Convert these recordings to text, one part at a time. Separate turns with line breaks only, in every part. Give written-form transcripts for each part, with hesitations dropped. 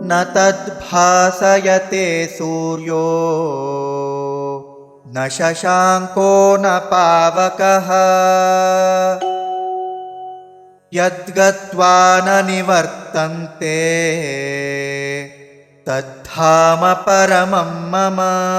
न तद्भासयते सूर्यो न शशाङ्को न पावकः यद्गत्वा न निवर्तन्ते तद्धाम परमं मम।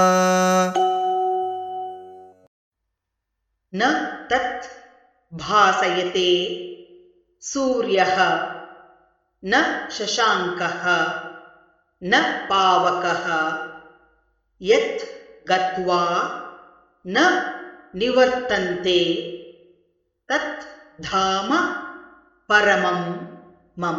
न तत् भासयते सूर्यः न शशाङ्कः न पावकः यत् गत्वा न निवर्तन्ते तत् धाम परमं मम।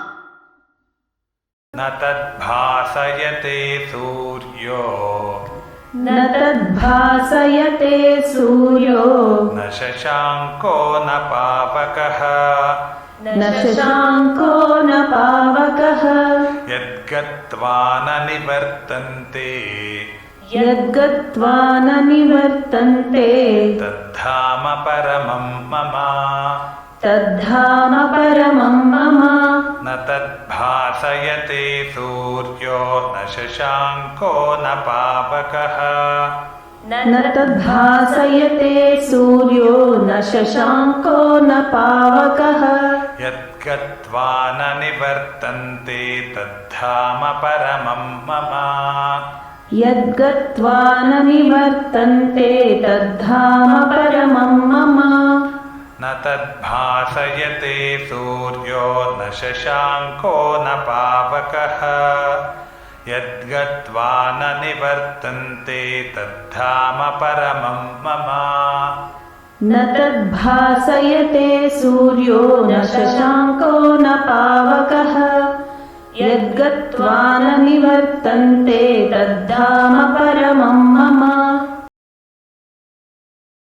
न तद्भासयते सूर्यो
न तद्भासयते सूर्यो
न शशाङ्को न पावकः
न शशाङ्को न पावकः
यद्गत्वा न निवर्तन्ते
यद्गत्वा न निवर्तन्ते
तद्धाम परमं मम।
तद्धाम परमं मम।
न तद्भासयते सूर्यो न शशाङ्को न पावकः
न तद्भासयते सूर्यो न शशाङ्को न पावकः
यद्गत्वा न निवर्तन्ते तद्धाम परमं मम।
यद्गत्वा न निवर्तन्ते तद्धाम परमं मम।
न तद्भासयते सूर्यो न शशाङ्को न पावकः यद्गत्वा न निवर्तन्ते तद्धाम परमं मम।
न तद्भासयते सूर्यो न शशाङ्को न पावकः यद्गत्वा न निवर्तन्ते तद्धाम परमं मम।